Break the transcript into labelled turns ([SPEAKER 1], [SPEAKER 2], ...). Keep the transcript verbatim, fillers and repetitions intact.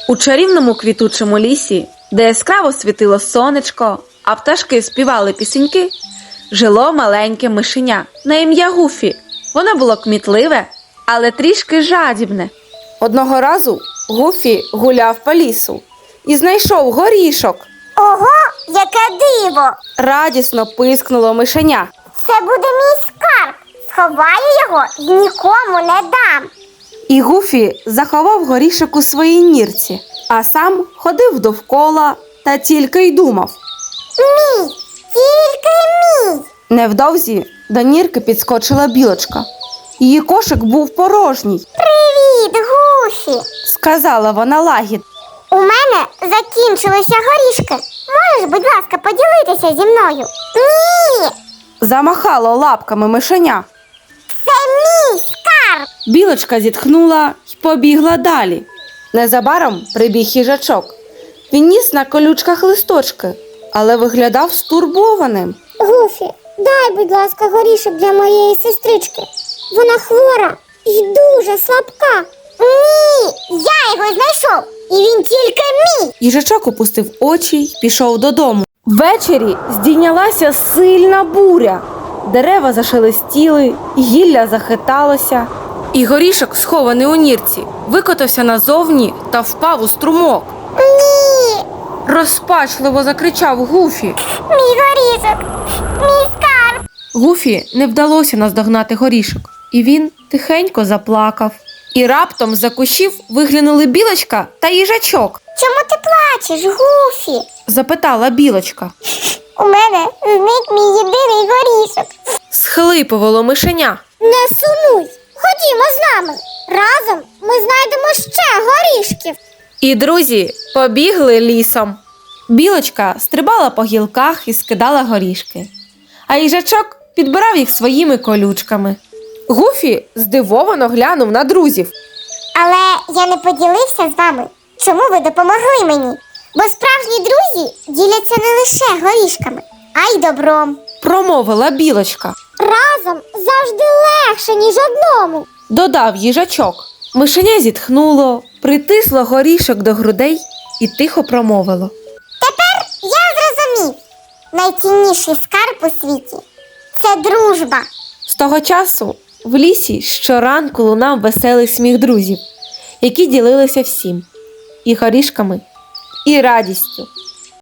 [SPEAKER 1] У чарівному квітучому лісі, де яскраво світило сонечко, а пташки співали пісеньки, жило маленьке мишеня на ім'я Гуфі. Воно було кмітливе, але трішки жадібне.
[SPEAKER 2] Одного разу Гуфі гуляв по лісу і знайшов горішок.
[SPEAKER 3] Ого, яке диво!
[SPEAKER 2] Радісно пискнуло мишеня.
[SPEAKER 3] Це буде мій скарб. Сховаю його і нікому не дам.
[SPEAKER 2] І Гуфі заховав горішок у своїй нірці, а сам ходив довкола та тільки й думав.
[SPEAKER 3] Мій, тільки мій.
[SPEAKER 2] Невдовзі до нірки підскочила білочка. Її кошик був порожній.
[SPEAKER 3] Привіт, Гуфі.
[SPEAKER 2] Сказала вона лагідно.
[SPEAKER 3] У мене закінчилися горішки. Можеш, будь ласка, поділитися зі мною? Ні,
[SPEAKER 2] Замахало лапками мишеня.
[SPEAKER 3] це мій скарб.
[SPEAKER 2] Білочка зітхнула й побігла далі. Незабаром прибіг їжачок. Він ніс на колючках листочки, але виглядав стурбованим.
[SPEAKER 3] Гуфі, дай, будь ласка, горішок для моєї сестрички. Вона хвора і дуже слабка. Ні, я його знайшов, і він тільки мій.
[SPEAKER 2] Їжачок опустив очі й пішов додому. Ввечері здійнялася сильна буря. Дерева зашелестіли, гілля захиталося. І горішок, схований у нірці, викотався назовні та впав у струмок.
[SPEAKER 3] Ні,
[SPEAKER 2] Розпачливо закричав Гуфі.
[SPEAKER 3] мій горішок, мій скарб.
[SPEAKER 2] Гуфі не вдалося наздогнати горішок, і він тихенько заплакав. І раптом з-за кущів виглянули білочка та їжачок.
[SPEAKER 3] Чому ти плачеш, Гуфі?
[SPEAKER 2] Запитала білочка.
[SPEAKER 3] У мене зник мій єдиний горішок.
[SPEAKER 2] Схлипувало мишеня.
[SPEAKER 3] Не сумуй, ходімо з нами. Разом ми знайдемо ще горішків.
[SPEAKER 2] І друзі побігли лісом. Білочка стрибала по гілках і скидала горішки, а їжачок підбирав їх своїми колючками. Гуфі здивовано глянув на друзів.
[SPEAKER 3] Але я не поділився з вами. Чому ви допомогли мені? Бо справжні друзі діляться не лише горішками, а й добром.
[SPEAKER 2] Промовила білочка.
[SPEAKER 3] Разом завжди легше, ніж одному.
[SPEAKER 2] Додав їжачок. Мишеня зітхнуло, притисло горішок до грудей і тихо промовило.
[SPEAKER 3] Тепер я зрозумів. Найцінніший скарб у світі – це дружба.
[SPEAKER 2] З того часу в лісі щоранку лунав веселий сміх друзів, які ділилися всім – і горішками, і радістю.